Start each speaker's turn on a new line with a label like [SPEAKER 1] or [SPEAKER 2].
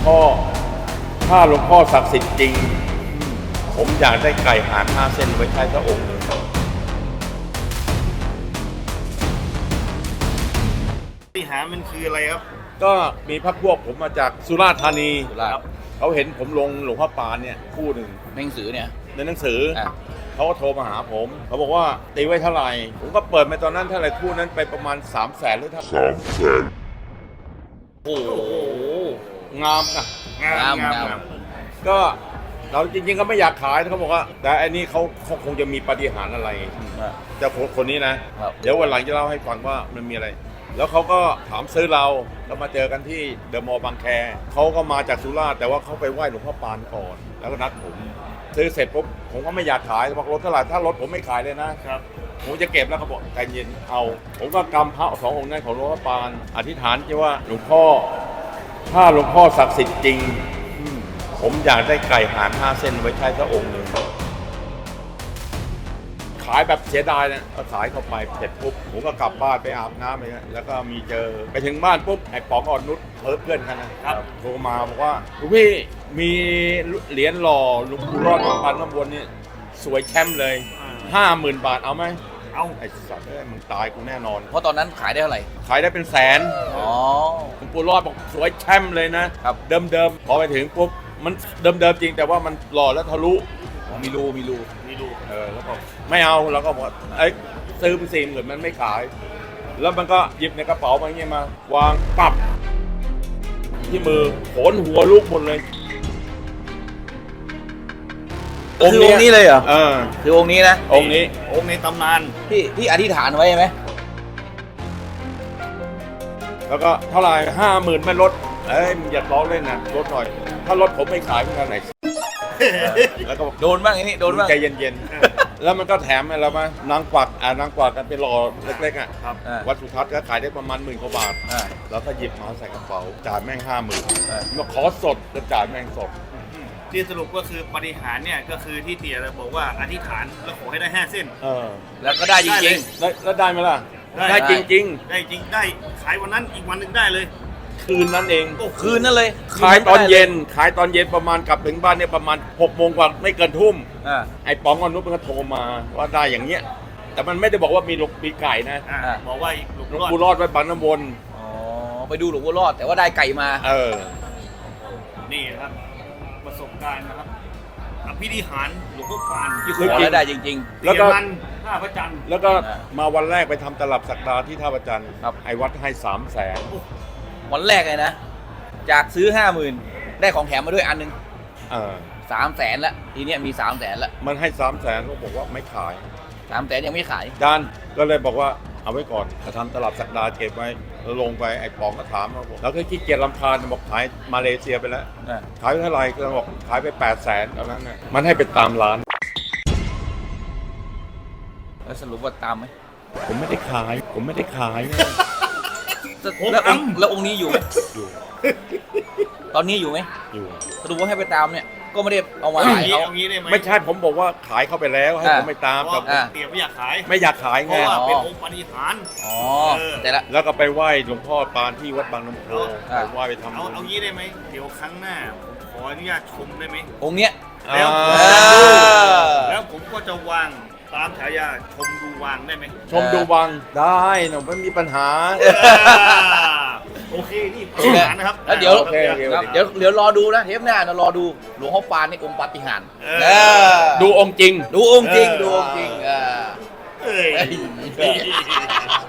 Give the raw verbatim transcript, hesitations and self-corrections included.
[SPEAKER 1] พ่อถ้าหลวงพ่อศักดิ์สิทธิ์จริงผมอยากได้ไก่หางห้าเส้นไว้ใช้พระองค์เลย
[SPEAKER 2] ปาฏิหาริย์มันคืออะไรครับ
[SPEAKER 1] ก็มีพรรคพวกผมมาจากสุราษฎร์ธานี
[SPEAKER 2] ครับ
[SPEAKER 1] เขาเห็นผมลงหลวงพ่อปานเนี่ยคู่หนึ่ง
[SPEAKER 3] ในหนังสือเนี่ย
[SPEAKER 1] ในหนังสือเขาก็โทรมาหาผมเขาบอกว่าตีไว้เท่าไหร่ผมก็เปิดไปตอนนั้นเท่าไหร่คู่นั้นไปประมาณสามแสนหรือเท่าสามแสนโอ้โหงามนะ
[SPEAKER 2] งามงาม
[SPEAKER 1] ก็เราจริงๆก็ไม่อยากขายเขาบอกว่าแต่อันนี้เขาเขาคงจะมีปาฏิหาริย์อะไรแต่คนนี้นะเดี๋ยววันหลังจะเล่าให้ฟังว่ามันมีอะไรแล้วเขาก็ถามซื้อเราแล้วมาเจอกันที่เดอะมอลล์บางแคเขาก็มาจากสุราษฎร์แต่ว่าเขาไปไหว้หลวงพ่อปานก่อนแล้วก็นัดผมซื้อเสร็จปุ๊บผมก็ไม่อยากขายบอกรถเท่าไหร่ถ้ารถผมไม่ขายเลยนะครับผมจะเก็บแล้วเขาบอกใจเย็นเอาผมก็กำพระสององค์นั้นของหลวงพ่อปานอธิษฐานที่ว่าหลวงพ่อถ้าหลวงพ่อศักดิ์สิทธิ์จริงผมอยากได้ไก่หางห้าเส้นไว้ใช้พระองค์หนึ่งขายแบบเสียดายนะก็ขายเข้าไปเสร็จปุ๊บผมก็กลับบ้านไปอาบน้ำไปแล้วก็มีเจอไปถึงบ้านปุ๊บไอ้ป๋องอ่อนนุชเพื่อนกันนะครับโทรมาบอกว่าหลวงพี่มีเหรียญหล่อหลวงปู่รอดปันน้ำวนนี่สวยแชมป์เลยห้าหมื่นบาทเอาไหม
[SPEAKER 2] เอา
[SPEAKER 1] ไอ้สัตว์เอ้ยมึงตายกูแน่นอน
[SPEAKER 3] เพราะตอนนั้นขายได้เท่าไหร่
[SPEAKER 1] ขายได้เป็นแสน
[SPEAKER 3] อ๋อ
[SPEAKER 1] หลวงปู่รอดบอกสวยแชมป์เลยนะครับเดิมๆพอไปถึงปุ๊บมันเดิมๆจริงแต่ว่ามันหล่อแล้วทะลุ
[SPEAKER 3] มีรูมีรู
[SPEAKER 2] มีรู
[SPEAKER 1] เออแล้วก็ไม่เอาแล้วก็บอกไอ้ซื้อเป็นสี่หมื่นมันไม่ขายแล้วมันก็หยิบในกระเป๋ามาอย่างเงี้ยมาวางปับที่มือโขนหัวลูกหมดเลย
[SPEAKER 3] องค์นี้เลยเหรอ
[SPEAKER 1] เออ
[SPEAKER 3] คือองค์นี้นะ
[SPEAKER 1] องค์นี้
[SPEAKER 2] องค์ในตำนาน
[SPEAKER 3] พี่พี่อธิษฐานไว้ไหม
[SPEAKER 1] แล้วก็เท่าไหร่ห้าหมื่นไม่ลดเอ้ยมึงอย่าล้อเล่นนะลดหน่อยถ้าลดผมไม่ขายเมื่อไหร่แล้วก็
[SPEAKER 3] โดนบ้างไอ้นี่โดนบ้าง
[SPEAKER 1] ใจเย็นๆแล้วมันก็แถมอะไรมานางกวักอ่านางกวักกันเป็นหล่อเล็กๆอ่ะวัดสุทัศน์ก็ขายได้ประมาณหมื่นกว่าบาทแล้วก็หยิบมาใส่กระเป๋าจ่ายแม่งห้าหมื่นมาขอสดจะจ่ายแม่งสด
[SPEAKER 2] ที่สรุปก็คือปาฏิหาริย์เนี่ยก็คือที่เตี๋ยเราบอกว่าอธิษฐานแล้วขอให้ได้ห้าเส้น
[SPEAKER 1] เออ
[SPEAKER 3] แล้วก็ได้จริง
[SPEAKER 1] ๆแล้วได้ไหมล่ะได้จริงๆ
[SPEAKER 2] ได้จริงได้ขายวันนั้นอีกวันหนึ่งได้เลย
[SPEAKER 1] คืนนั้นเอง
[SPEAKER 3] คืนนั่นเลย
[SPEAKER 1] ขายตอนเย็นขายตอนเย็นประมาณกลับถึงบ้านเนี่ยประมาณหกโมงกว่าไม่เกินทุ่มไอ้ป๋องอนุชมันก็โทรมาว่าได้อย่างเงี้ยแต่มันไม่ได้บอกว่ามีหลวงปีไก่นะ
[SPEAKER 2] บอกว่า
[SPEAKER 1] หลวงปู่รอดไว้ปันน้ำวน
[SPEAKER 3] อ๋อไปดูหลวงปู่รอดแต่ว่าได้ไก่มา
[SPEAKER 1] เออ
[SPEAKER 2] นี่ครับประสบการณ์นะครับอภินิหารหลวงพ่อปาน
[SPEAKER 3] ที่ขอแล้วได้จริง
[SPEAKER 2] ๆแล้วก็ท่าพระจันทร์
[SPEAKER 1] แล้วก็มาวันแรกไปทำตลับสักดาที่ท่าพระจันทร์ไอ้วัดให้สามแสน
[SPEAKER 3] วันแรกเลยนะจากซื้อห้าหมื่นได้ของแถมมาด้วยอันนึงสามแสนละทีเนี้ยมีสามแสนละ
[SPEAKER 1] มันให้สามแสนเขาบอกว่าไม่ขาย
[SPEAKER 3] สามแสนยังไม่ขาย
[SPEAKER 1] ดันก็เลยบอกว่าเอาไว้ก่อนจะทำตลับสักดาเก็บไว้แล้วลงไปไอ้ป๋องก็ถามเราบอกแล้วก็ขี้เกียจรำคาญบอกขายมาเลเซียไปแล้วขายไปเท่าไหร่ก็บอกขายไปแปดแสนตอนนั้นนะมันให้เป็นตามร้าน
[SPEAKER 3] แล้วสรุปว่าตามไหม
[SPEAKER 1] ผมไม่ได้ขายผมไม่ได้ขาย
[SPEAKER 3] แล้วแล้วองค์นี้อยู่ไหม
[SPEAKER 1] อยู่
[SPEAKER 3] ตอนนี้อยู่ไหม
[SPEAKER 1] อยู่
[SPEAKER 3] สรุปว่าให้ไปตามเนี่ยก็ไม่ได้เอามาขายเขา
[SPEAKER 1] ไม่ใช่ผมบอกว่าขายเข้าไปแล้วให้ผมไปตาม
[SPEAKER 2] แต่เตี๋ยไม่อยากขาย
[SPEAKER 1] ไม่อยากขายไง
[SPEAKER 2] เพราะว่าเป็นองค์ปาฏิหาริย์
[SPEAKER 3] อ๋อแต่ละ
[SPEAKER 1] แล้วก็ไปไหว้หลวงพ่อปานที่วัดบางน้ำโพไปไหว้ไปทำ
[SPEAKER 2] เอาเอางี้ได้ไหมเดี๋ยวครั้งหน้าขออนุญาตชมได้ไหม
[SPEAKER 3] องค์เนี้ย
[SPEAKER 2] แล้วแล้วผมก็จะวางตามฉายาชมดูวางได้ไหม
[SPEAKER 1] ชมดูวางได้หนูไม่มีปัญหา
[SPEAKER 2] โอเคนี่ปัญหานะครับ
[SPEAKER 3] แล้วเดี๋ยวเดี๋ยวเดี๋ยวรอดูนะเทปหน้าเรารอดูหลวงพ่อปานในองค์ปาฏิหาริย์
[SPEAKER 1] ดูองค์จริง
[SPEAKER 3] ดูองค์จริงดูองค์จริง
[SPEAKER 2] เอ้ย